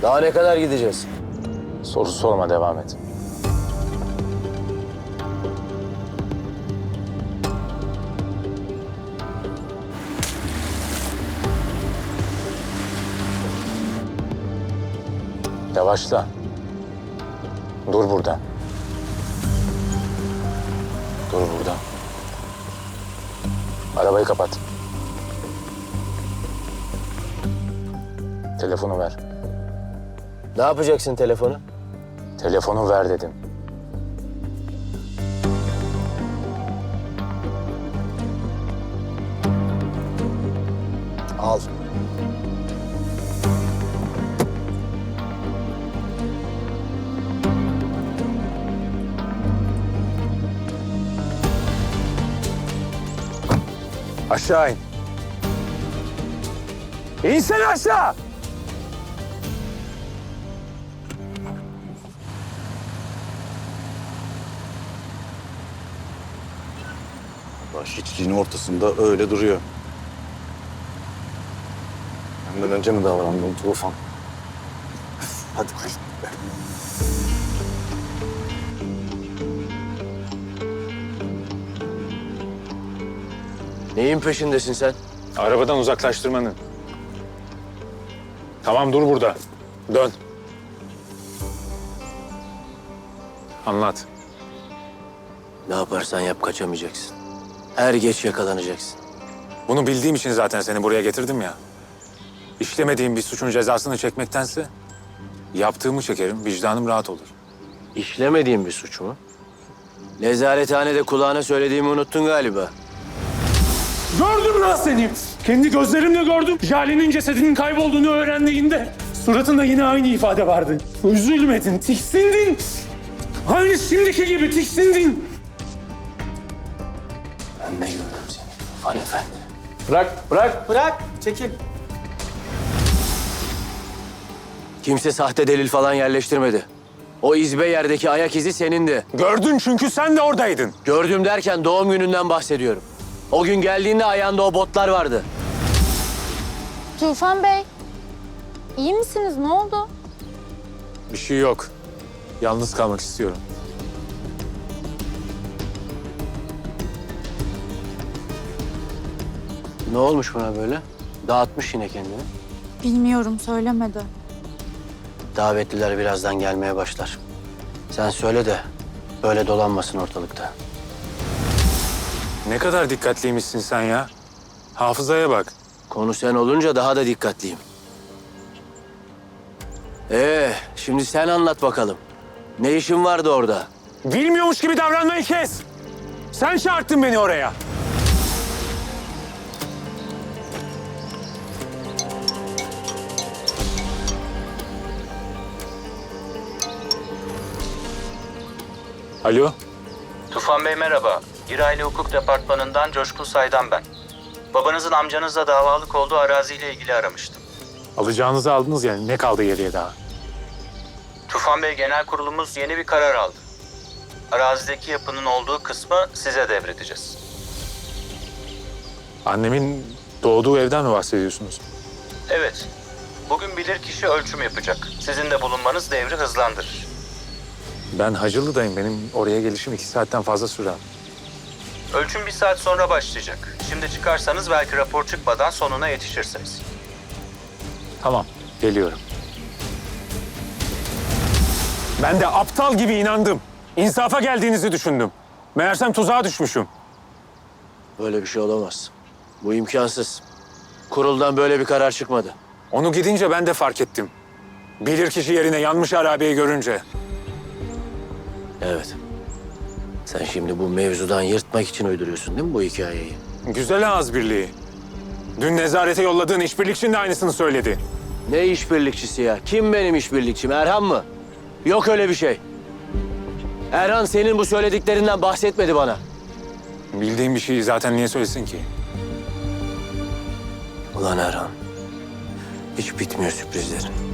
Daha ne kadar gideceğiz? Soru sorma, devam et. Yavaşla. Dur burada. Dur burada. Arabayı kapat. Telefonu ver. Ne yapacaksın telefonu? Telefonu ver dedim. Al. Aşağı in. İnsene aşağı! Hiçliğin ortasında öyle duruyor. Benden önce mi davrandın Tufan? Hadi koy. Neyin peşindesin sen? Arabadan uzaklaştırmanın. Tamam, dur burada. Dön. Anlat. Ne yaparsan yap kaçamayacaksın. Er geç yakalanacaksın. Bunu bildiğim için zaten seni buraya getirdim ya. İşlemediğim bir suçun cezasını çekmektense yaptığımı çekerim, vicdanım rahat olur. İşlemediğin bir suç mu? Nezarethanede kulağına söylediğimi unuttun galiba. Gördüm lan seni. Kendi gözlerimle gördüm. Jale'nin cesedinin kaybolduğunu öğrendiğinde suratında yine aynı ifade vardı. Üzülmedin, tiksindin. Aynı şimdiki gibi tiksindin. Ben de gördüm seni. Tufan Efendi. Bırak. Çekil. Kimse sahte delil falan yerleştirmedi. O izbe yerdeki ayak izi senindi. Gördün çünkü sen de oradaydın. Gördüm derken doğum gününden bahsediyorum. O gün geldiğinde ayağında o botlar vardı. Tufan Bey, iyi misiniz? Ne oldu? Bir şey yok. Yalnız kalmak istiyorum. Ne olmuş buna böyle? Dağıtmış yine kendini. Bilmiyorum, söylemedi. Davetliler birazdan gelmeye başlar. Sen söyle de böyle dolanmasın ortalıkta. Ne kadar dikkatliymişsin sen ya. Hafızaya bak. Konu sen olunca daha da dikkatliyim. Şimdi sen anlat bakalım. Ne işin vardı orada? Bilmiyormuş gibi davranmayı kes. Sen çağırttın beni oraya. Alo. Tufan Bey merhaba. İrayli Hukuk Departmanı'ndan Coşkun Say'dan ben. Babanızın amcanızla davalık olduğu araziyle ilgili aramıştım. Alacağınızı aldınız yani. Ne kaldı geriye daha? Tufan Bey genel kurulumuz yeni bir karar aldı. Arazideki yapının olduğu kısmı size devredeceğiz. Annemin doğduğu evden mi bahsediyorsunuz? Evet. Bugün bilirkişi ölçüm yapacak. Sizin de bulunmanız devri hızlandırır. Ben Hacılı'dayım. Benim oraya gelişim 2 saatten fazla sürer. Ölçüm 1 saat sonra başlayacak. Şimdi çıkarsanız belki rapor çıkmadan sonuna yetişirsiniz. Tamam, geliyorum. Ben de aptal gibi inandım. İnsafa geldiğinizi düşündüm. Meğersem tuzağa düşmüşüm. Böyle bir şey olamaz. Bu imkansız. Kuruldan böyle bir karar çıkmadı. Onu gidince ben de fark ettim. Bilirkişi yerine yanmış arabeyi görünce. Evet. Sen şimdi bu mevzudan yırtmak için uyduruyorsun değil mi bu hikayeyi? Güzel ağız birliği. Dün nezarete yolladığın işbirlikçin de aynısını söyledi. Ne işbirlikçisi ya? Kim benim işbirlikçim? Erhan mı? Yok öyle bir şey. Erhan senin bu söylediklerinden bahsetmedi bana. Bildiğim bir şeyi zaten niye söylesin ki? Ulan Erhan. Hiç bitmiyor sürprizlerin.